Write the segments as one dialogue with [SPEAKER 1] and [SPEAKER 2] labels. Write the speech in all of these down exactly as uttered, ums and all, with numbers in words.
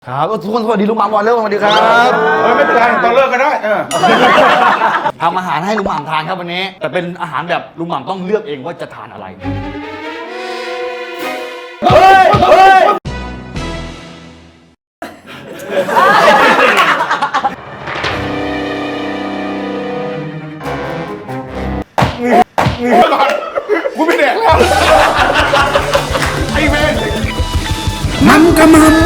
[SPEAKER 1] ครับทุกคนสวัสดีลุงหม่ำก่อนเร็วสวัสดีครับ
[SPEAKER 2] เออไม่เป็นไรตอนเลิกก็ได้เออ
[SPEAKER 1] ทำอาหารให้ลุงหม่ำทานครับวันนี้แต่เป็นอาหารแบบลุงหม่ำต้องเลือกเองว่าจะทานอะไรเฮ้ยเฮ้ย
[SPEAKER 2] ก่อนกูไม่แดกแล้วไอ้เว้ยมันกำมัน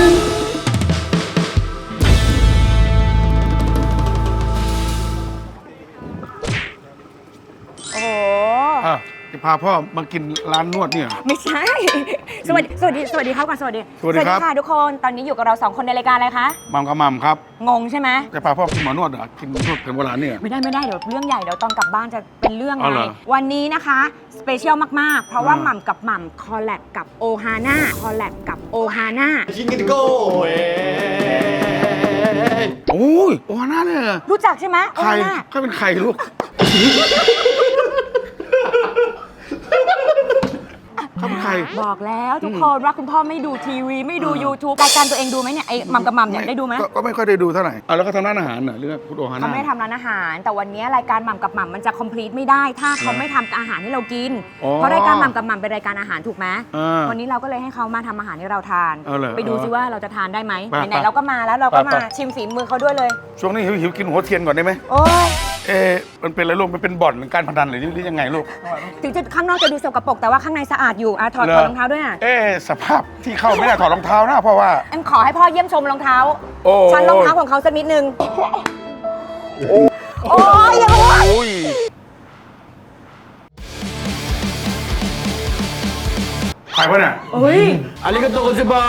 [SPEAKER 3] โอ้โห
[SPEAKER 2] จะพาพ่อมากินร้านนวดเนี่ย
[SPEAKER 3] ไม่ใช่ สวัสดี สวัสดี สวัสดีครับก่อนสวัสดี
[SPEAKER 2] สวัสดีครับ
[SPEAKER 3] ค่ะทุกคน ตอนนี้อยู่กับเราสองคนในรายการอะไรคะ
[SPEAKER 2] มัมกับมัมครับ
[SPEAKER 3] งงใช่ไหม
[SPEAKER 2] จะพาพ่อกินหมอนวดเหรอกินนวดแผนโบราณเนี่ย
[SPEAKER 3] ไม่ได้ไม่ได้เดี๋ยวเรื่องใหญ่เดี๋ยวตอนกลับบ้านจะเป็นเรื่อง
[SPEAKER 2] เอา
[SPEAKER 3] ไง
[SPEAKER 2] เหรอ
[SPEAKER 3] วันนี้นะคะสเปเชียลมากๆ เพราะว่า
[SPEAKER 2] อ่า
[SPEAKER 3] หม่ำกับหม่ำคอลแลบกับโอฮาน่าคอลแลบกับโอฮาน่า
[SPEAKER 1] ชิงกินโก้เอ้ย
[SPEAKER 2] โอ้ยโอ้หน้าเนี่ย
[SPEAKER 3] รู้จักใช่ไหมโอ
[SPEAKER 2] ใคร
[SPEAKER 3] ฮาน่า
[SPEAKER 2] เขาเป็นใครลูกเขาเป็นใคร
[SPEAKER 3] บอกแล้วทุกคนว่าคุณพ่อไม่ดูทีวีไม่ดู YouTube รายการตัวเองดูไหมเนี่ยไอ้หม่ำกับหม่ำเนี่ยได้ดูไหม
[SPEAKER 2] ก็ก็ไม่ค่อยได้ดูเท่าไหร่อ่ะแล้วก็ทำร้านอาหารเหรอเรื่องพุทโธฮา
[SPEAKER 3] เขา
[SPEAKER 2] น่า
[SPEAKER 3] ไม่ได้ทำร้านอาหาร แต่วันนี้รายการหม่ำกับหม่ำมันจะ complete ไม่ได้ ถ้าเขาไม่ทำอาหารให้เรากิน
[SPEAKER 2] อ๋อ
[SPEAKER 3] เพราะรายการหม่ำกับหม่ำเป็นรายการอาหารถูกไหม
[SPEAKER 2] อ่า
[SPEAKER 3] วันนี้เราก็เลยให้เขามาทำอาหารให้เราทาน
[SPEAKER 2] เอาเหรอ
[SPEAKER 3] ไปดูซิว่าเราจะทานได้ไหม
[SPEAKER 2] ไป
[SPEAKER 3] ไหน
[SPEAKER 2] ไป
[SPEAKER 3] ๆเราก็มาแล้วเราก็
[SPEAKER 2] ไป
[SPEAKER 3] มา
[SPEAKER 2] ไป
[SPEAKER 3] ชิมฝีมือเขาด้วยเลย
[SPEAKER 2] ช่วงนี้หิวหิวกินหัวเทียนก่อนได้ไหม
[SPEAKER 3] โอ้ย
[SPEAKER 2] เอ๊ะมันเป็นอะไรลูกมันเป็นบ่อนหรือการพนันหรือหรือยังไงลูก
[SPEAKER 3] ถึงจะข้างนอกจะดูสกปรกแต่ว่าข้างในสะอาดอยู่อ่ะถอด
[SPEAKER 2] เหร
[SPEAKER 3] ถ
[SPEAKER 2] อ
[SPEAKER 3] อดรองเท้าด้วยอ่ะ
[SPEAKER 2] เอ๊ะสภาพที่เข้าไม่ได้ถอดรองเท้านะเพราะว่า
[SPEAKER 3] เอ็มขอให้พ่อเยี่ยมชมรองเท้า
[SPEAKER 2] โอ้
[SPEAKER 3] ชั้นรองเท้าของเขาสักนิดนึงโอ้ยอย่าพูด
[SPEAKER 2] โอ้ยใครวะเนี่ย
[SPEAKER 3] เฮ้ย
[SPEAKER 1] อาริกาโตซิบะ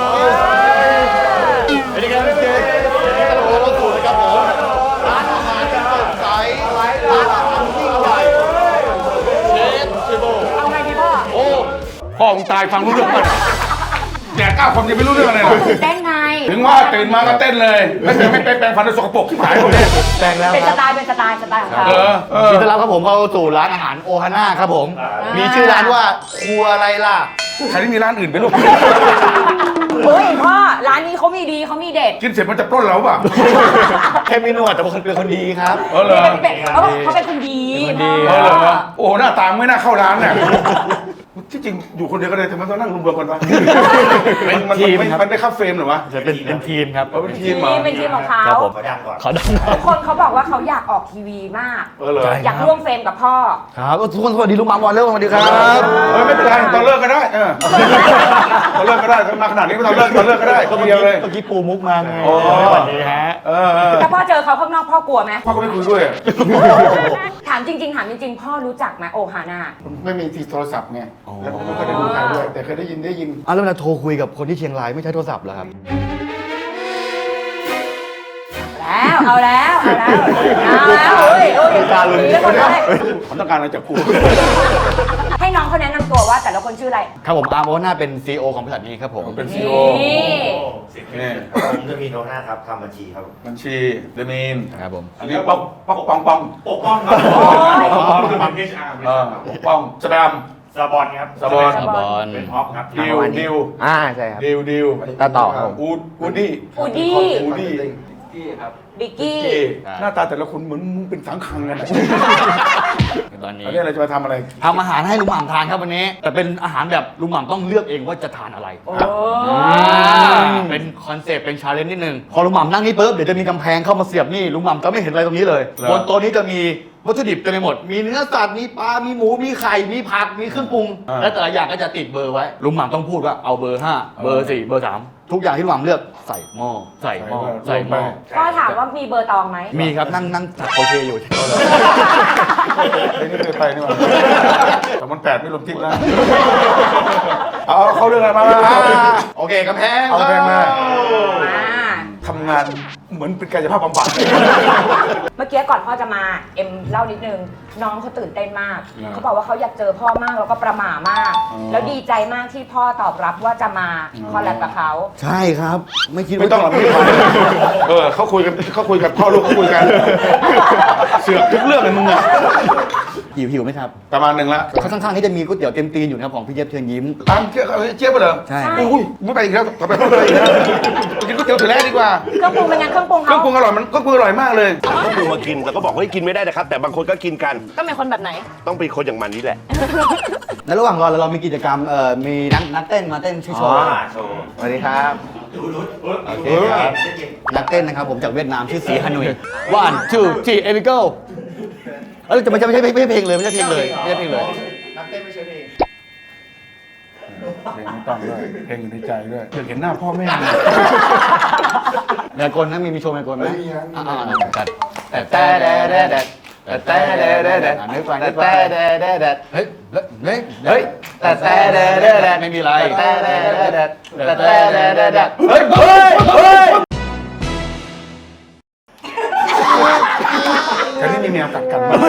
[SPEAKER 1] สวัสดีครับเจ๊โอ้โหสูตรนะครับผมร้านอาหารที่สดใสร้านอาหารยิ่งใหญ่เชฟชิโบ
[SPEAKER 3] เอาไงดีพ่อ
[SPEAKER 2] โอ้พ่อมึงตายฟังรู้เรื่องมั้ยแดกก้าวคนยังไม่รู้เรื่องอะไรเลย
[SPEAKER 3] ตื่นเต้นไง
[SPEAKER 2] ถึงว่าตื่นมาก็เต้นเลยไม่เป็นไม่เป็นแปลงฟันด้วยสกปรกที่หายหมดเลย
[SPEAKER 1] แปลงแล้ว
[SPEAKER 3] เป็น
[SPEAKER 1] ค
[SPEAKER 3] ส
[SPEAKER 1] รับ
[SPEAKER 3] ไตล์เป็นสไตล์สไตล์ของเขา
[SPEAKER 2] เออเออ
[SPEAKER 1] ยินดีต้อนรับครับผมเข้าสู่ร้านอาหารโอฮาน่าครับผม มีชื่อร้านว่าครัวอะไรล่ะ
[SPEAKER 2] ใครที่มีร้านอื่นไปลูก
[SPEAKER 3] เฮ้ยพ่อร้านนี้เขามีดีเขามีเด็ด
[SPEAKER 2] กินเสร็จมันจะปล้นเราเปล่า
[SPEAKER 1] แค่มีหนวดแต่เป็นคนดีครับ
[SPEAKER 2] เออเหรอ
[SPEAKER 3] เป็นเขาบอกเขาเป็นคนดี
[SPEAKER 1] เป็นคนดี
[SPEAKER 2] เออเหรอโอ้หน้าตาไม่น่าเข้าร้านเนี่ยที่จริงอยู่คนเดียวก็เลยทำไมต้องนั่งรวมๆกันวะ
[SPEAKER 1] เป็น
[SPEAKER 2] มัน
[SPEAKER 1] ทีม
[SPEAKER 2] มัน
[SPEAKER 1] ครับ
[SPEAKER 2] มันได้เข้าเฟรมเหรอวะ
[SPEAKER 1] จะเป็นเป็นทีมครับ
[SPEAKER 2] เออเป็นทีมเหรอ
[SPEAKER 3] นี่เป็นทีมของเขา
[SPEAKER 1] ครับผม
[SPEAKER 4] ขอดังก่อน
[SPEAKER 1] ขอดัง
[SPEAKER 3] ทุกคนเขาบอกว่าเขาอยากออกทีวีมาก
[SPEAKER 2] เออเหรอ
[SPEAKER 1] ใช่
[SPEAKER 3] อยากร่วมเฟรมกับพ่อ
[SPEAKER 1] ครับทุกคนสวัสดีลุงหม่ำก่อนเร็วสวัสดีครับ
[SPEAKER 2] เออไม่เป็นไรตอนเลิกก็ได้เออตอนเลิกก็ได้มาขนาดนี้ไม่ตอนเลิกตอนเลิกก็ได้ก็
[SPEAKER 1] เมื่อ
[SPEAKER 2] เดียวเลย
[SPEAKER 1] กี้ปูมุกมาไง
[SPEAKER 2] โอ้
[SPEAKER 1] สวัสดีฮะ
[SPEAKER 2] เออเออ
[SPEAKER 3] ถ้าพ่อเจอเขาข้างนอกพ่อกลัวไหม
[SPEAKER 2] พ่อก็ไม่คุยด้วย
[SPEAKER 3] ถามจริง ๆ ถามจริง ๆ พ่อรู้จักไหมโอฮาน่า
[SPEAKER 2] ไม่มีที่โทรศัพท์ไงแล้วผมไม่เคยได้ดูใครด้วยแต่เคยได้ยินได้ยิน
[SPEAKER 1] อ่ะแล้วเวลาโทรคุยกับคนที่เชียงรายไม่ใช้โทรศัพท์เหรอครับ
[SPEAKER 3] แล้วเอาแล้วเอาแล้วเอาแล้วเฮ้ยเฮ้ยคุยแล้วคนเลย
[SPEAKER 2] ผมต้องการอะไรจากกู
[SPEAKER 3] ให้น้องเขาแนะนำตัวว่าแต่ละคนชื่ออะไร
[SPEAKER 1] ครับผมอาร์มโอน่าเป็น ซี อี โอ ของบริษัทนี้ครับผม
[SPEAKER 2] เป็นซี
[SPEAKER 3] นี่
[SPEAKER 2] โอ
[SPEAKER 4] นี่ผมจะมีโนหน้าครับทำบัญชีครับ
[SPEAKER 2] บัญชีเดมีน
[SPEAKER 1] ครับผม
[SPEAKER 2] อันนี้ป๊อกป๊อกปองปอง
[SPEAKER 4] ปกป้องครับ
[SPEAKER 3] โอ้ย
[SPEAKER 4] ปกป้องคือเป็น เอช อาร์
[SPEAKER 2] เออปกป้องสแปม
[SPEAKER 4] ซาบอนครับ
[SPEAKER 2] ซาบอน
[SPEAKER 1] ซาบอน
[SPEAKER 4] เป็นพ็อปครับ
[SPEAKER 2] ดิวดิว
[SPEAKER 5] อ่าใช่ครับ
[SPEAKER 2] ดิวดิว
[SPEAKER 5] ตาต่อครับผม
[SPEAKER 2] อูดอูดี้
[SPEAKER 3] อูดี้
[SPEAKER 2] อูดี้
[SPEAKER 3] บิกกี้
[SPEAKER 2] เจหน้าตาแต่ละคนเหมือนมึงเป็นสังขังกันอะ
[SPEAKER 1] ตอนนี้
[SPEAKER 2] อันนี้อะไรจะมาทำอะไร
[SPEAKER 1] ทำอาหารให้ลุงหม่ำทานครับวันนี้ แต่เป็นอาหารแบบลุงหม่ำต้องเลือกเองว่าจะทานอะไร
[SPEAKER 3] โอ้
[SPEAKER 1] อ่าเป็นคอนเซปต์เป็นชาเลนจ์นิดนึงพอลุงหม่ำนั่งนี่ปุ๊บเดี๋ยวจะมีกำแพงเข้ามาเสียบนี่ลุงหม่ำจะไม่เห็นอะไรตรงนี้เลย
[SPEAKER 2] เหรอ
[SPEAKER 1] บนโต๊ะนี้จะมีวัตถุดิบเต็มไปหมด มีเนื้อสัตว์มีปลา มีหมู มีไข่ มีผัก มีเครื่องปรุง
[SPEAKER 2] อ่า
[SPEAKER 1] และแต่ละอย่างก็จะติดเบอร์ไว้ ลุงหม่ำต้องพูดว่าเอาเบอร์ห้าเบอร์สี่เบอร์สามทุกอย่างที่ลุงหม่ำเลือกใส่หม้อใส่หม้อใส่หม้อ
[SPEAKER 3] พ่อถามว่ามีเบอร์ตองไหม
[SPEAKER 1] มีครับนั่งนั่งถักโคเชอยู่
[SPEAKER 2] ไอ้นี่เคยไปนี่หว่าแต่มันแปดไม่รวมทิปนะเอาเข้าเรื่องอะไรมามา
[SPEAKER 1] โอเคกำแพง
[SPEAKER 2] เอากำแพงมา
[SPEAKER 3] อ่า
[SPEAKER 2] ทำงานเหมือนเป็นกายภาพบำบัด
[SPEAKER 3] เมื่อกี้ก่อนพ่อจะมาเอ็มเล่านิดนึงน้องเขาตื่นเต้นมาก
[SPEAKER 2] อ่า
[SPEAKER 3] เขาบอกว่าเขาอยากเจอพ่อมากแล้วก็ประหม่ามาก
[SPEAKER 2] อ๋อ
[SPEAKER 3] แล้วดีใจมากที่พ่อตอบรับว่าจะมา
[SPEAKER 2] อ๋อ
[SPEAKER 3] คอลแลบกับเขา
[SPEAKER 1] ใช่ครับ ไม่คิด
[SPEAKER 2] ไม่
[SPEAKER 1] ว่า
[SPEAKER 2] ต้องหรอกไม่ต้องเออเขาคุยกันเขาคุยกันพ่อลูกเขาคุยกัน เสือกทุกเรื่องเลยมึงอะ
[SPEAKER 1] หิวหิวไหมครับ
[SPEAKER 2] ประมาณหนึ่งละ
[SPEAKER 1] ข้างๆนี่จะมีก๋วยเตี๋ยวเต็มตีนอยู่นะครับของพี่เจี๊ยบเชิญยิ้ม
[SPEAKER 2] ตามเจี๊ยบเจี๊ยบไปเหรอ
[SPEAKER 1] ใช่
[SPEAKER 2] อุ้ยไม่ไปอีกแล้วต่อไปไม่ไปอีกแล้วกินก๋วยเตี๋ยวถือแรกดีกว่า
[SPEAKER 3] เครื่องปรุงเป็นไงเครื่องปรุง
[SPEAKER 2] เครื่อ
[SPEAKER 3] เขา
[SPEAKER 2] งปรุงอร่อยมันเครื่องปรุงอร่อยมากเลย
[SPEAKER 5] ก็คือมากินแล้วก็บอกว่ากินไม่ได้นะครับ แต่บางคนก็กินกัน
[SPEAKER 3] ก็เป็นคนแบบไหน
[SPEAKER 5] ต้องเป็นคนอย่างมันนี่แหละ
[SPEAKER 1] แล้วระหว่างรอเรามีกิจกรรมเอ่อมีนักนักเต้นมาเต้นช่วยโชว์
[SPEAKER 4] โชว์
[SPEAKER 1] สวัสดีครับโอเคครับนักเต้นนะครับผมจากเวียดนามชื่อสีฮานุย one two three here we go เออจะไม่ใช่ไม่ใช่ไม่ใช่เพลงเลยไม่ใช่เพลงเลยไม่ใช่เพลงเลย
[SPEAKER 2] เพลงไม่ต้องด้วยเพลงอยู่ในใจด้วยอยากเห็นหน้าพ่อแม่
[SPEAKER 1] แมวกลนะมีมีโชว์แมวกลไหมอ่าอ่าจัดแต่แต่แต่แต่แต่แต่แต่แต่แต่นึกไปนึกไปแต่แต่แต่เฮ้ยเฮ้ยเฮ้ยแต่แต่แต่แต่ไม่มีไรแต่แต่แต่แต่แต่แต่แต่เฮ้ยเฮ้ยเฮ้ย
[SPEAKER 2] แต่นี่มีแมวกัดกันมา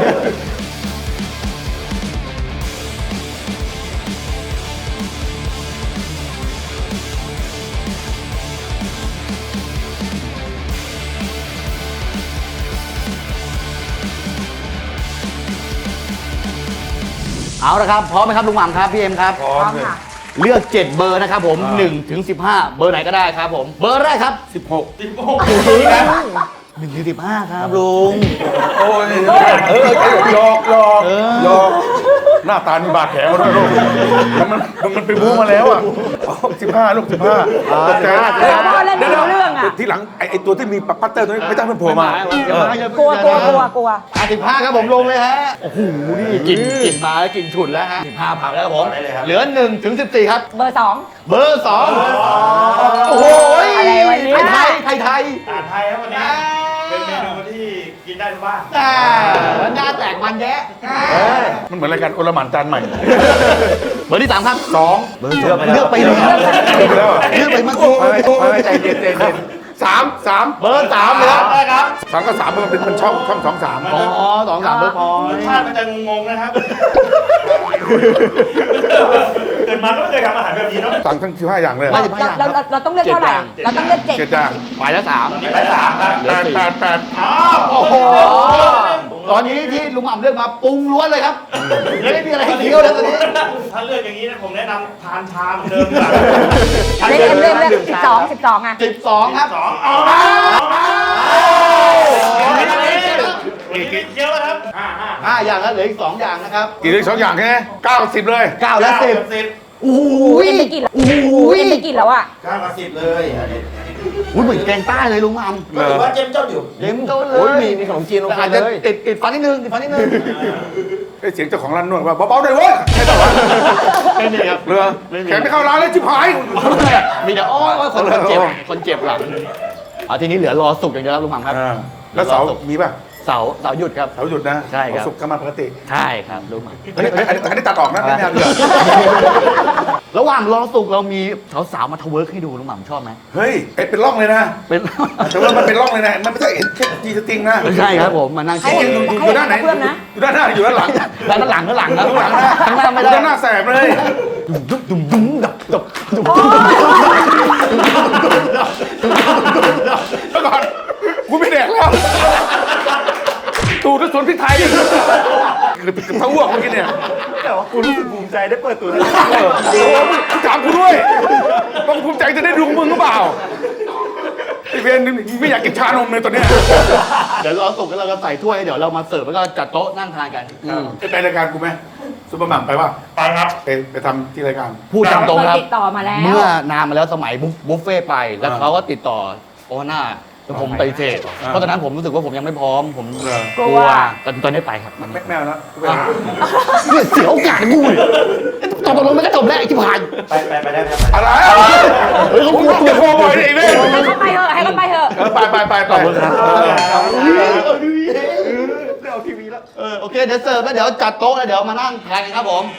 [SPEAKER 1] เอาละครับพร้อมไหมครับลุงหม่ำครับพี่เอ็มครับ
[SPEAKER 2] พร้อมเลย
[SPEAKER 3] ค่ะ
[SPEAKER 1] เลือกเจ็ดเบอร์นะครับผมหนึ่งถึงสิบห้าเบอร์ไหนก็ได้ครับผมเบอร์แรกครับ
[SPEAKER 2] สิบหก
[SPEAKER 1] หนึ่งถึงสิบห้าครับลุง
[SPEAKER 2] โอ้ยเออเออหยอกหยอกหยอกหน้าตามีบาดแผลมาด้วยลูกมันมันมันไปบู๊มาแล้วอ่ะสิบห้าลูกสิบห้าตกใจ
[SPEAKER 3] เออพ่อเล่นไม่รู้เรื่องอะ
[SPEAKER 2] ทีหลังไอ้ไอ้ตัวที่มีปัตเตอร์ตัวนี้ไม่ต้องเป็นโผล่มาเออก
[SPEAKER 3] ลัวกลัวกลัวกลัว
[SPEAKER 1] อ่ะสิบห้าครับผมลงเลยฮะโอ้โหนี่กลิ่นกลิ่นมาแล้วกลิ่นฉุนแล้วฮะสิบห้าผ่านแล้วครับผมเหลือหนึ่งถึงสิบสี่ครับ
[SPEAKER 3] เบอร์สอง
[SPEAKER 1] เบอร์สองโอ้โห
[SPEAKER 3] อะไรวะเนี่ย
[SPEAKER 1] ไทยไทยไทย
[SPEAKER 4] อาหารไทยครับวันนี้ เป็นเมนูที่กินได้ทุกบ้าน
[SPEAKER 1] อ่าหน้าแตกมันแยะ
[SPEAKER 2] มันเหมือนรายการโอลหม่านจานใหม่
[SPEAKER 1] เบอร์ที่สามครับ
[SPEAKER 2] สอง
[SPEAKER 1] เบอร์สองเลือกไปเลย
[SPEAKER 2] เลือกไปแล้วเหรอ
[SPEAKER 1] เลือกไปเมื่อกี้
[SPEAKER 2] ไม่ไม่ใจเย็นใจเย็นสามสาม
[SPEAKER 1] เบอร์สามเลยครับ
[SPEAKER 4] ได้ครับ
[SPEAKER 2] สามก็สามมันเป็นมันช่องช่องสองสาม
[SPEAKER 1] อ๋อสองสามเบอร์พอ
[SPEAKER 4] รสชาติมันจะงงๆนะครับ เกิดมาก็ไม่เคยทำอาหารแบบนี้เนาะ
[SPEAKER 2] สั่งทั้งสิบห้าอย่างเลย
[SPEAKER 1] ไม่
[SPEAKER 3] เราเราเราเราต้องเลือกเท่าไหร่ เราต้องเลือกเจ็ด
[SPEAKER 2] เจ็ดอย่าง
[SPEAKER 1] ไปแล้วสาม
[SPEAKER 4] ไปสามครับ
[SPEAKER 2] แปดแปดแปด
[SPEAKER 4] อ้าว
[SPEAKER 1] โอ้โหตอนนี้ที่ลุงหม่ำเลือกมาปรุงล้วนเลยครับไม่มีอะไรให้เคี้ยวเลยตอนนี้
[SPEAKER 4] ถ้าเลือกอย่างนี้นะผมแนะนำทานชาเหมือนเดิมดีกว่า
[SPEAKER 3] เล่นเล่นเล่นสิบสองสิบสองอ่ะ
[SPEAKER 1] สิบสองครับ
[SPEAKER 4] สองเอาละอีกเยอะแล้วครับห้าห้า
[SPEAKER 1] ห้าอย่างแล้วเหลืออีกสองอย่างนะครับ
[SPEAKER 2] กี่เลยสองอย่างแค่เก้าสิบเลย
[SPEAKER 1] เก้าและสิบ
[SPEAKER 4] สิบ
[SPEAKER 1] โอ้โห
[SPEAKER 3] เอ็มไปกินแล้วโอ้โหเอ็มไปกินแล้วอ่ะ
[SPEAKER 4] เก้ากับสิบเลยอันนี้
[SPEAKER 1] อุ้ยเหมือนแกงใต้เลยลุงหม่ำ
[SPEAKER 4] ก็ถือว่าเจ้มเจ้าอยู่
[SPEAKER 1] เต็มโต๊ะเล
[SPEAKER 2] โอ้ย
[SPEAKER 1] ย
[SPEAKER 2] มีมีขนมจีนลงไป
[SPEAKER 1] อาจ
[SPEAKER 2] เล
[SPEAKER 1] จะ
[SPEAKER 2] ย
[SPEAKER 1] ติดติดฟันนิดนึงติดฟันนิดนึง
[SPEAKER 2] ไอ้เสียงเจ้าของร้านนวดว่าเบาๆหน่อยเว้ยใช่ป่าวะ
[SPEAKER 1] ไม่มีครับ
[SPEAKER 2] เรือแขกไม่เข้าร้านเลยจิบหาย
[SPEAKER 1] มีแต่อ้อยอ้อยคนคนเจ็บคนเจ็บหลังเอาทีนี้เหลือรอสุกอย่างเดียวครับลุงหม่ำครับ
[SPEAKER 2] อ่าแล้วเสาร์มีป่ะ
[SPEAKER 1] เสาเสาหยุดครับ
[SPEAKER 2] เสาร์หยุดนะ
[SPEAKER 1] ใช่ครับ
[SPEAKER 2] วันศุกร์ก็มาปกติ
[SPEAKER 1] ใช่ครับลุงหม่ำ
[SPEAKER 2] อันนี้อันนี้อันนี้ตัดออกนะไม่เอาเดือด
[SPEAKER 1] ระหว่างรอสุกเรามีสาวๆมาทเวิร์กให้ดูลุงหม่ำชอบไหม
[SPEAKER 2] เฮ้ยไอ้เป็นร่องเลยนะ
[SPEAKER 1] เป็น
[SPEAKER 2] แต่ว่ามันเป็นร่องเลยนะมันไม่ใช่เห็นแค่จีสติงนะ
[SPEAKER 1] ไม่ใช่ครับผมมานั่ง
[SPEAKER 3] ให้
[SPEAKER 1] เช็ค
[SPEAKER 3] เห็น
[SPEAKER 2] อยู่อยู่ด้านไหน
[SPEAKER 3] ให้เห็นเพื่อนนะ
[SPEAKER 2] อยู่ด้านหน้าหรืออยู่ด้านหลัง
[SPEAKER 1] ด้านหลังด้านหลังครับ
[SPEAKER 2] ด้านหลังนะ
[SPEAKER 1] ข้างหน้าไม่
[SPEAKER 2] อ
[SPEAKER 1] ได้
[SPEAKER 2] ยู่ด้านหน้าแสบเลย
[SPEAKER 1] ดุ๊บดุ๊บดุ๊บดับดับดุ๊บ
[SPEAKER 2] เมื่อก่อนกูไม่แดกแล้วตูดสวนพริกไทยคือเป็นเท้าอ้วกเมื่อกี้เนี่ย
[SPEAKER 4] แต่ว่าคุณรู้สึกภูมิใจได้เปิดตัวนี้
[SPEAKER 2] เออโอ้โหมึงถามกูด้วยต้องภูมิใจจะได้ดูมึงหรือเปล่าไอเวนไม่อยากกินชานมเลยตอนเนี้ย
[SPEAKER 1] เดี๋ยวรอสุกแล้วเราก็ใส่ถ้วยเดี๋ยวเรามาเสิร์ฟแล้วก็จัดโต๊ะนั่งทานกันอืม
[SPEAKER 2] ไปรายการกูไหมซุปเปอร์หม่ำไปป่ะ
[SPEAKER 4] ไปครับ
[SPEAKER 2] ไปไปทำที่รายการ
[SPEAKER 1] พูดตามตรงครับ
[SPEAKER 3] ติดต่อมาแล้ว
[SPEAKER 1] เมื่อนานมาแล้วสมัยบุฟบุฟเฟ่ต์ไป แล้ว
[SPEAKER 2] อ่า
[SPEAKER 1] เขาก็ติดต่อโอฮาน่าแล้วผมไปฏิเสธ
[SPEAKER 2] อ่า
[SPEAKER 1] เพราะตอนนั้นผมรู้สึกว่าผมยังไม่พร้อม ผม
[SPEAKER 2] เหรอ
[SPEAKER 1] กลัวแต่ตอนนี้ไปครับ
[SPEAKER 2] แม่แมวนะ
[SPEAKER 1] เนี่ยเสียโอกาสกูเลยตอบตกลงไม่ก็จบแล้วไอ้ที่ผ่าน
[SPEAKER 4] ไปไปไปได้ไหม
[SPEAKER 2] อะไร
[SPEAKER 1] เฮ้ยเขากลัว
[SPEAKER 2] จะโทรบ่อยดิไอ้เว้ย
[SPEAKER 3] ให้เขาไปเถอะให้เขาไปเถอะ
[SPEAKER 2] เออไปไปไปไป
[SPEAKER 1] ขอบคุณครับ
[SPEAKER 2] เออ
[SPEAKER 1] เอาทีวีแล้วเออโอเคเดี๋ยวเสิร์ฟแล้วเดี๋ยวจัดโต๊ะแล้วเดี๋ยวมานั่งทานกันครับผม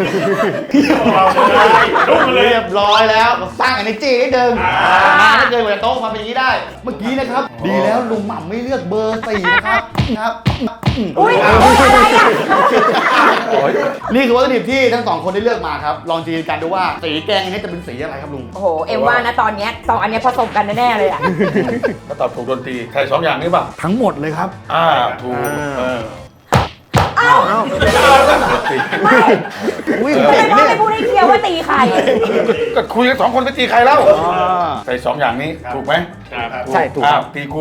[SPEAKER 1] เรียบร้อยแล้วสร้าง energy นิดนึงมาถ้าเกินกว่าจะโต๊ะมาเป็นอย่างนี้ได้ เมื่อกี้นะครับ ดีแล้วลุงหม่ำไม่เลือกเบอร์สี่นะครับครับ
[SPEAKER 3] อุ้ยอุ้ยอะไรอ่ะ
[SPEAKER 1] นี่คือวัตถุดิบที่ทั้งสองคนได้เลือกมาครับ ลองจินตนาการดูว่าสีแกงนี้จะเป็นสีอะไรครับลุง
[SPEAKER 3] โอ้โห เอ็มว่านะตอนเนี้ยสองอันเนี้ยผสมกันแน่ๆเลยอ่ะ
[SPEAKER 2] ก็ตอบถูกดนตรีใช่สองอย่างนี้ป่ะ
[SPEAKER 1] ทั้งหมดเลยครับ
[SPEAKER 2] อ่าถูกเออ
[SPEAKER 3] อ้าว
[SPEAKER 1] อุ้ย
[SPEAKER 3] ทำไม
[SPEAKER 1] เก่ง
[SPEAKER 3] พ่อ
[SPEAKER 1] เนี่ย
[SPEAKER 3] ไม่พูดให้เคลียร์ว่าตีใคร
[SPEAKER 2] ก็คุยกันสองคนไปตีใครเล่า
[SPEAKER 1] อ่า
[SPEAKER 2] ใส่สองอย่างนี้ถูกไหม
[SPEAKER 4] ครับ
[SPEAKER 1] ใช่ถูกครับ
[SPEAKER 2] อ้าวตีกู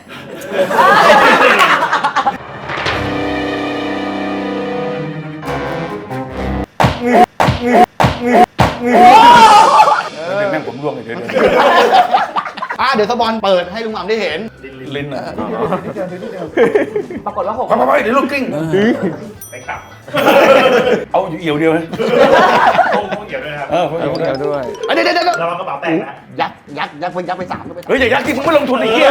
[SPEAKER 2] เดี๋ยวแม่งผมร่วงเลยเดี๋ยวเดี๋ยว
[SPEAKER 1] อ่ะเดี๋ยวสปอนเปิดให้ลุงหม่ำได้เห็น
[SPEAKER 2] ลิ้นอ่ะ
[SPEAKER 3] ปรากฏว่าหก
[SPEAKER 2] ไปไปไปเดี๋ยวลูกกิ้ง
[SPEAKER 4] ไปขับ
[SPEAKER 2] เอาอยู่เอี่ยวเดียวไหม
[SPEAKER 4] คงคงเกี่ยวด้วยนะครับ
[SPEAKER 2] เออเอี่ยวด้วย
[SPEAKER 1] เดี๋ยวเดี๋ยวเดี๋ยว
[SPEAKER 4] ระวังกระเป๋าแตกนะ
[SPEAKER 1] ยักษ์ยักษ์ยักษ์ไปยักษ์ไปสามด้วย
[SPEAKER 2] เฮ้ยอย่ายักที่มึงไม่ลงทุนไอ้เหี้ย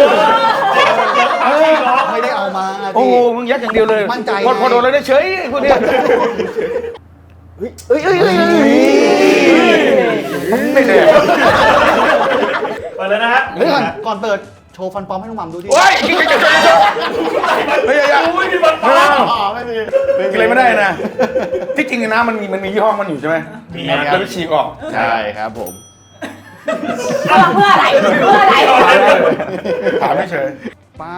[SPEAKER 1] ไม่ได้เอามา
[SPEAKER 2] โอ้
[SPEAKER 1] ดิ
[SPEAKER 2] โหมึงยักอย่างเดียวเลย
[SPEAKER 1] มั่นใจ
[SPEAKER 2] พอพอโดนเลยได้เฉยพวกเนี้ย
[SPEAKER 1] เฮ้ยเฮ้ยเฮ้ยเฮ้ย
[SPEAKER 2] ไม่แน่
[SPEAKER 4] เปิดเลยนะฮะ
[SPEAKER 1] เดี๋ยวก่อนก่อนเปิดโชว์ฟันปลอมให้ลุงหม่ำดูดิ
[SPEAKER 2] โอ้ยกินกินกินกินเฮ้ยอย่าอย่า
[SPEAKER 4] อุ้ยมีบอล
[SPEAKER 2] ไม่
[SPEAKER 4] ฟ้า
[SPEAKER 2] เอา
[SPEAKER 1] อ๋อไม่มี
[SPEAKER 2] กินอะไรไม่ได้นะ ที่จริงนะมันมีมันมียี่ห้อมันอยู่ใช่ไหม
[SPEAKER 4] มี
[SPEAKER 2] แล้วไปฉีกออก
[SPEAKER 1] ใช่ครับผม
[SPEAKER 3] เอามาเพื่ออะไร เพื่ออะไร
[SPEAKER 2] ถามไม่เฉย
[SPEAKER 1] ป้า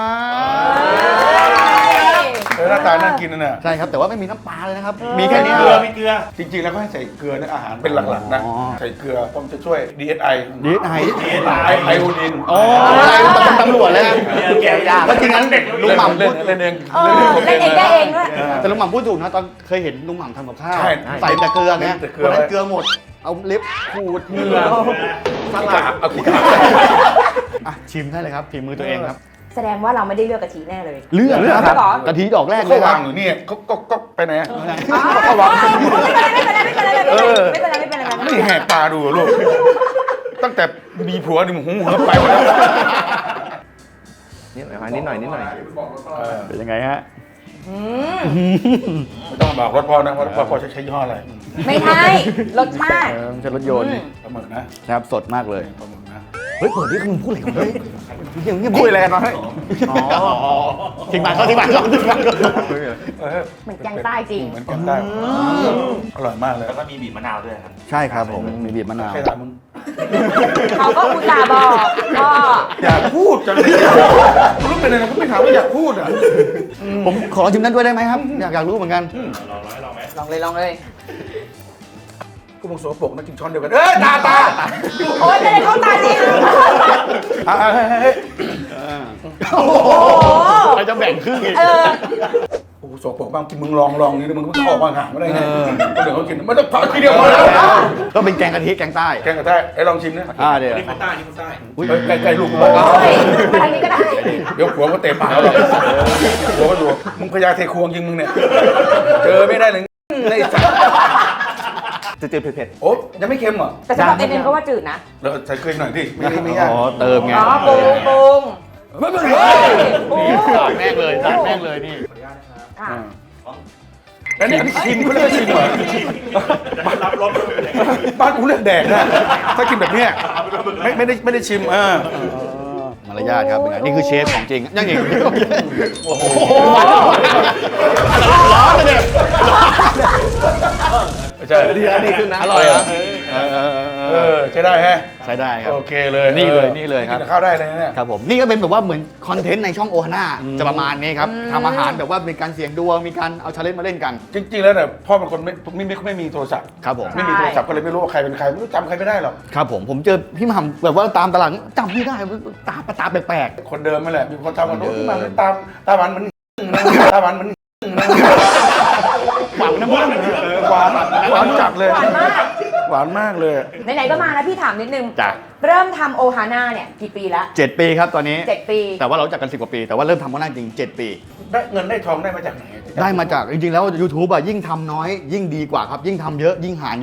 [SPEAKER 2] เออหน้าตาน่ากินนะเนี่ย
[SPEAKER 1] ใช่ครับแต่ว่าไม่มีน้ำปลาเลยนะครับ มีแค่นี้
[SPEAKER 4] เกลือมีเกลือ
[SPEAKER 2] จริงๆแล้วก็ให้ใส่เกลือในอาหารเป็นหลักๆนะ
[SPEAKER 1] อ๋อ
[SPEAKER 2] ใส่เกลือเพราะมันจะช่วย ดี เอส ไอ
[SPEAKER 1] ดีไอ
[SPEAKER 2] ไอไอโอดิน
[SPEAKER 1] อ๋ออะไรเป็นตำรวจเลยนะ
[SPEAKER 4] แกะยาก
[SPEAKER 1] แล้วจริงนั้นลุงหม่ำ
[SPEAKER 2] เล่
[SPEAKER 1] พู
[SPEAKER 2] น
[SPEAKER 1] ด
[SPEAKER 2] เล่นเอง
[SPEAKER 3] เออเล่นเองได้เองด้วย
[SPEAKER 1] แต่ลุงหม่ำพูดถูกนะตอนเคยเห็นลุงหม่ำทำกับข้าว
[SPEAKER 2] ใช่
[SPEAKER 1] ใส่แต่เกลือไง
[SPEAKER 2] แต่เกลือ
[SPEAKER 1] วันนั้นเกลือหมด เอาเล็บขูดเหงื่อส
[SPEAKER 2] ก
[SPEAKER 1] ลั
[SPEAKER 2] รา
[SPEAKER 1] ด
[SPEAKER 2] บเอาขี้กราบ
[SPEAKER 1] อ่ะชิมได้เลยครับฝีมือตัวเองครับ
[SPEAKER 3] แสดงว่าเราไม่ได้เลือกกะทิแน่เลย
[SPEAKER 1] เลือก
[SPEAKER 3] เลือก
[SPEAKER 1] ครับ
[SPEAKER 3] เหรอ
[SPEAKER 1] กะทิดอกแรกเล
[SPEAKER 2] เขา
[SPEAKER 1] ยคว
[SPEAKER 2] า
[SPEAKER 1] รับ
[SPEAKER 2] งอยู่นี่ก็ก็ก็ไปไหนอะ
[SPEAKER 3] อ๋อไม่เป็นไรไม่เป็นไรไม่เป็นไรไม่เป็นไรไม่เป็นไรไม่เป็นไรไม่เป็นไร
[SPEAKER 2] นี่แหกตาดูอะลูก ตั้งแต่มีผัวนี่มึงหูมึงก็ไปหมดแล้ว
[SPEAKER 5] นิดหน่อยนิดหน่อยนิดหน่อย
[SPEAKER 2] เออ
[SPEAKER 1] เป็นยังไงฮะ
[SPEAKER 3] อืม
[SPEAKER 2] ไม่ต้องบอกรถพ่อนะว่าพ่อพ่อใช้ยี่ห้ออะไร
[SPEAKER 3] ไม่ใช่รสชาติ
[SPEAKER 1] เออไม่ใช่รถยนต์
[SPEAKER 2] ปลาหมึกนะครับ
[SPEAKER 1] สดมากเลย
[SPEAKER 2] ปลาหมึกนะ
[SPEAKER 1] เฮ้ยเปิดดิมึงพูดอะไรกันเฮ้ยเงียบเงียบ
[SPEAKER 2] คุยอะไรกันวะเฮ้ย
[SPEAKER 1] อ๋อทิ้งบานเขาทิ้งบานเขาทิ้งบานเขา
[SPEAKER 2] เออ
[SPEAKER 3] เหมือนแกงใต้จริง
[SPEAKER 2] เหมือนกันได้อร่อยมากเลย
[SPEAKER 4] แล้วก็มีบีบมะนาวด้วยครับ
[SPEAKER 1] ใช่ครับผมมีบีบมะนาว
[SPEAKER 2] ใครถามมึง
[SPEAKER 3] เขาก็อุตส่าห์บอกพ่อ
[SPEAKER 2] อยากพูดจังเลยรู้เป็นอะไรก็ไม่ถามว่าอยากพูดอ่ะ
[SPEAKER 1] ผมขอชิมนั้นด้วยได้ไหมครับ อยากอยากรู้เหมือนกัน
[SPEAKER 4] ลองลองให้ลองไหม
[SPEAKER 3] ลองเลยลองเลย
[SPEAKER 2] กูมึงสกปรกนะกินช้อนเดียวกันเอ้ยตาตา
[SPEAKER 3] โอ๊ยจะได้เข้าตาจริง
[SPEAKER 2] อ่ะเฮ้ยเฮ้ย
[SPEAKER 1] โอ้โหใครจะแบ่งครึ่งอีก
[SPEAKER 3] เออ
[SPEAKER 2] โอ้โหสกปรกบ้างกินมึงลองลองนี่มึงก็ออกมาห่างไม่ได้ไงเดี๋ยวเขากินไม่ต้องผ่าทีเดียวพอแล้ว
[SPEAKER 1] ก็เป็นแกงกะทิแกงใต้
[SPEAKER 2] แกงกระแทกไอ้ลองชิมนะ
[SPEAKER 1] อ่าเดี๋ยว
[SPEAKER 4] นี่คนใต้นี่คนใต้
[SPEAKER 1] อุ้ย
[SPEAKER 2] ใกล้ใกล้ลูกกูบ้าง
[SPEAKER 3] โอ้ยมาทางนี้ก็ได้
[SPEAKER 2] เดี๋ยวผัวก็เตะปากเราหรอกผัวก็ดูมึงพยาเทควงยิงมึงเนี่ยเจอไม่ได้เลยไอ้สัส
[SPEAKER 5] จะเจอเผ็ด
[SPEAKER 2] โอ้ยังไม่เค็มเหรอ
[SPEAKER 3] แต่สำหรับเอ็มเอ็มก็ว่าจืดนะ
[SPEAKER 2] เราใส่เกลือหน่อยดิไม่ได้ไม่ยาก
[SPEAKER 1] อ๋อเติมไง
[SPEAKER 3] อ๋อปรุงปรุง
[SPEAKER 2] ไม่ไม่
[SPEAKER 3] เฮ้ยโอ้
[SPEAKER 1] สาดแม่งเลยสาดแม่งเลยนี่
[SPEAKER 3] ค่ะ
[SPEAKER 2] แล้วนี่อันนี้ชิมเขาเรียกว่าชิมเหรอ
[SPEAKER 4] จะรับรสด้วยเลย
[SPEAKER 2] บ้านกูเลือกแดกนะถ้ากินแบบเนี้ยไม่ไม่ได้ไม่ได้ชิมเออ
[SPEAKER 1] มารยาทครับเป็นไงนี่คือเชฟของจริงยังอีกโอ้โหร้อนเลยเนี่ย
[SPEAKER 2] ใช่
[SPEAKER 5] ๆดีแล้วดีขึ้นนะ
[SPEAKER 1] อร่อยเหรอเออ
[SPEAKER 2] เออใช้ได้แฮะ
[SPEAKER 1] ใช้ได้ครับ
[SPEAKER 2] โอเคเลย
[SPEAKER 1] นี่เลยนี่เลยครับ
[SPEAKER 2] กินข้าวได้เลยนะเนี่ย
[SPEAKER 1] ครับผมนี่ก็เป็นแบบว่าเหมือนคอนเทนต์ในช่องโอฮาน่าจะประมาณนี้ครับทำอาหารแบบว่ามีการเสี่ยงดวงมีการเอาชาเลนจ์มาเล่นกัน
[SPEAKER 2] จริงๆแล้วเนี่ยพ่อเป็นคนไม่ไม่ไม่ไม่มีโทรศัพท์
[SPEAKER 1] ครับผม
[SPEAKER 2] ไม่มีโทรศัพท์ก็เลยไม่รู้ว่าใครเป็นใครไม่รู้จำใครไม่ได้หรอก
[SPEAKER 1] ครับผมผมเจอพี่หม่ำแบบว่าตามตลาดจำไม่ได้ตาตาแปลก
[SPEAKER 2] คนเดิมนั่นแหละมีคนทำกัน
[SPEAKER 1] คนเดิ
[SPEAKER 2] โน้
[SPEAKER 1] ม
[SPEAKER 2] นมาตามตาหวานเหมือนตาหวานเหมือน
[SPEAKER 1] ๆหวังนะมึง
[SPEAKER 2] เออหวานหวานจัดเลย
[SPEAKER 3] หวานมาก
[SPEAKER 2] หวานมากเลย
[SPEAKER 3] ไหนๆก็มาแล้วพี่ถามนิดนึง
[SPEAKER 1] จ้ะ
[SPEAKER 3] เริ่มทำโอฮาน่าเนี่ยกี่ปีแล้ว
[SPEAKER 1] เจ็ดปีครับตอนนี้
[SPEAKER 3] เจ็ดปี
[SPEAKER 1] แต่ว่าเรารู้จักกันสิบกว่าปี แต่ว่าเริ่มทำโอฮาน่าจริงเจ็ดปี
[SPEAKER 2] ได้เงินได้ทองได้มาจากไหน
[SPEAKER 1] ได้มาจากจริงๆแล้ว YouTube อ่ะยิ่งทำน้อยยิ่งดีกว่าครับ ยิ่งทำเยอะยิ่งหารเยอะ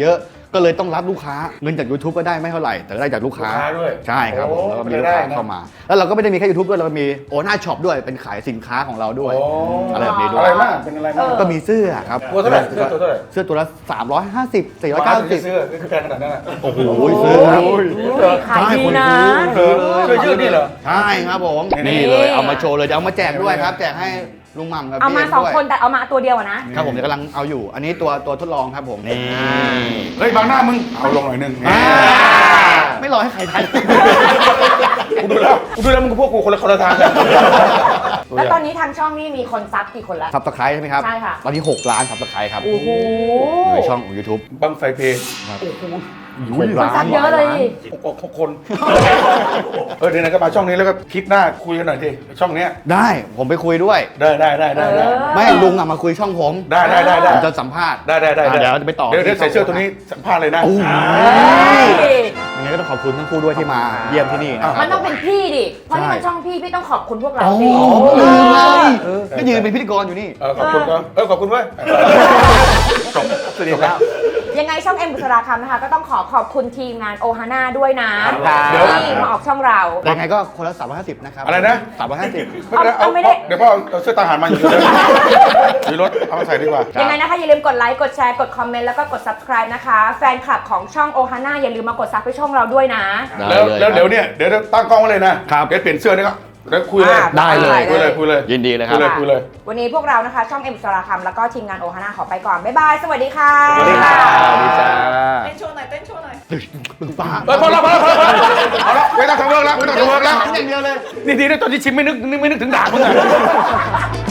[SPEAKER 1] ก็เลยต้องรับลูกค้าเงินจาก YouTube ก็ได้ไม่เท่าไหร่แต่ได้จากลูกค้า
[SPEAKER 2] ลูกค้าด้วย
[SPEAKER 1] ใช่ครับผม
[SPEAKER 2] โอ้
[SPEAKER 1] แล้วก็มี
[SPEAKER 2] เป็น
[SPEAKER 1] ลู
[SPEAKER 2] ไป
[SPEAKER 1] ก
[SPEAKER 2] ได้
[SPEAKER 1] ค้า
[SPEAKER 2] นะ
[SPEAKER 1] เข้ามา แล้วเราก็ไม่ได้มีแค่ YouTube ด้วยเราก็มีโอน่าช็อปด้วยเป็นขายสินค้าของเราด้วย
[SPEAKER 2] โอ้
[SPEAKER 1] อะไรแบบนี้ด้ว
[SPEAKER 2] อะ
[SPEAKER 1] ย
[SPEAKER 2] ไรมากเป็นอะไรมาก
[SPEAKER 1] ก็มีเสื้อครับ
[SPEAKER 2] ตัวเท่าไหร่เสื้อตัวเท่าไหร่
[SPEAKER 1] เสื้อตัวละสามร้อยห้าสิบ สี่ร้อยเก้าสิบ
[SPEAKER 2] เสื้อคือแพงขนาดนั้นอ่ะ
[SPEAKER 1] โอ้โหซื้อครับ
[SPEAKER 3] ขายดีนะ
[SPEAKER 2] เออเสื้อยืดนี่เหรอ
[SPEAKER 1] ใช่ครับผม
[SPEAKER 2] นี่
[SPEAKER 1] นี่เลยเอามาโชว์เลยจะเอามาแจกด้วยครับแจกให้ลุงหม่ำกับ
[SPEAKER 3] เอา
[SPEAKER 1] พี่
[SPEAKER 3] มา
[SPEAKER 1] เอ็ม
[SPEAKER 3] สอง
[SPEAKER 1] ด้วย
[SPEAKER 3] คนแต่เอามาตัวเดียวอะนะ
[SPEAKER 1] ครับผมเดี๋ยวกำลังเอาอยู่ อันนี้ตัวตัวทดลองครับผมนี่
[SPEAKER 2] เฮ้ยบางหน้ามึงเอาลงหน่อยหนึง
[SPEAKER 1] อ่าไม่รอให้ใครทัน
[SPEAKER 2] กูดูแล้วกูดูแล้วมึงกับพวกกูคนละคนละทางกัน
[SPEAKER 3] แล้วตอนนี้ทางช่องนี่มีคนซับกี่คนแล้ว
[SPEAKER 1] ซับสไครต์ใช่ไหมครับ
[SPEAKER 3] ใช่ค่ะ
[SPEAKER 1] ตอนนี้หกล้านซับสไครต์ครับ
[SPEAKER 3] โอ้โห
[SPEAKER 1] ในช่องของ YouTube
[SPEAKER 2] บังไฟเพลง
[SPEAKER 1] หก
[SPEAKER 3] คนซับเยอะเลยดิ
[SPEAKER 2] หกหกคน เออเดี๋ยวไหนก็มาช่องนี้แล้วก็คลิปหน้าคุยกันหน่อยดิช่องเนี้ย
[SPEAKER 1] ได้ผมไปคุยด้วย
[SPEAKER 2] ได้ได้ได้ได้ได้
[SPEAKER 3] เออ
[SPEAKER 1] ไม่ลุงอะมาคุยช่องผม
[SPEAKER 2] ได้ได้ได้ได้
[SPEAKER 1] ผมจะสัมภาษณ์
[SPEAKER 2] ได้ได้ได้
[SPEAKER 1] อ่ะเดี๋ยวจะไปต่อ
[SPEAKER 2] เดี๋ยวเดี๋ยวใส่เสื้อตัวนี้สัมภาษณ์เลยนะ
[SPEAKER 1] โอ้โห
[SPEAKER 3] เฮ้ย
[SPEAKER 1] ยังไงก็ต้องขอบคุณทั้งคู่ด้วยที่มาเยี่ยมที่นี่นะค
[SPEAKER 3] มั
[SPEAKER 1] รั
[SPEAKER 3] น
[SPEAKER 1] บ
[SPEAKER 3] ต้องเป็นพี่ดิ เพราะนี่
[SPEAKER 1] ใช่
[SPEAKER 3] มันช่องพี่ พี่ต้องขอบคุณพวกเรา
[SPEAKER 1] อ๋อ
[SPEAKER 3] สิ
[SPEAKER 1] ลืมเลยก็ยืนเป็นพิธีกรอยู่นี่
[SPEAKER 2] เออขอบคุณครับเออขอบคุณเว้ยจบสวัสดีแล้ว
[SPEAKER 3] ยังไงช่องเอ็มบุษราคำนะคะ ก็ต้องขอขอบคุณทีมงานโอฮาน่าด้วยนะ
[SPEAKER 1] ครับ
[SPEAKER 3] ที่มาออกช่องเรา
[SPEAKER 1] ยังไงก็คนละสามร้อยห้าสิบนะครับ
[SPEAKER 2] อะไรนะ
[SPEAKER 1] สามร้อยห้าสิบ
[SPEAKER 2] ไม่เป็นไรเอา
[SPEAKER 3] เอาไม่ได้
[SPEAKER 2] เดี๋ยวพ่อเอาเสื้อทหารมาอยู่เลยอยู่รถเอามาใส่ดีกว่า
[SPEAKER 3] ยังไงนะคะ อย่าลืมกดไลค์ กดแชร์ กดคอมเมนต์ แล้วก็กด subscribe นะคะ แฟนคลับของช่องโอฮาน่าอย่าลืมมากดซับให้ช่องเราด้วยนะ
[SPEAKER 1] ได้
[SPEAKER 2] แล้ว
[SPEAKER 1] เลย
[SPEAKER 2] แล้วเดี๋ยวเนี่ยเดี๋ยวตั้งกล้องไว้เลยนะครับ เดี๋ยวเปลี่ยนเสื้อนี่ก็เดี๋ยวคุยเลย
[SPEAKER 3] อ่า
[SPEAKER 1] ได้เลย
[SPEAKER 2] คุยเลยคุยเลย
[SPEAKER 1] ยินดีเลยค
[SPEAKER 2] คุ
[SPEAKER 1] รับ
[SPEAKER 2] ยเลยคุยเลย
[SPEAKER 3] วันนี้พวกเรานะคะ ช่องเอ็มบุษราคำแล้วก็ทีมงานโอฮาน่าขอไปก่อน บ๊ายบาย สวัสดีค่ะ
[SPEAKER 1] สวัสดีค่ะสวัสดีจ้า
[SPEAKER 6] เต้นโชว์หน่อยเต้นโชว์หน่อย
[SPEAKER 1] ป้า
[SPEAKER 2] เฮ้ยพอแล้วพอแล้วพอแล้วเอาละไม่ต้องทำเวิร์กแล้วไม่ต้องทำเวิร์กแล้ว
[SPEAKER 1] อย่างเดียวเลย
[SPEAKER 2] นี่ดีนะตอนที่ชิมไม่นึกไม่นึกถึงด่ามึงอะ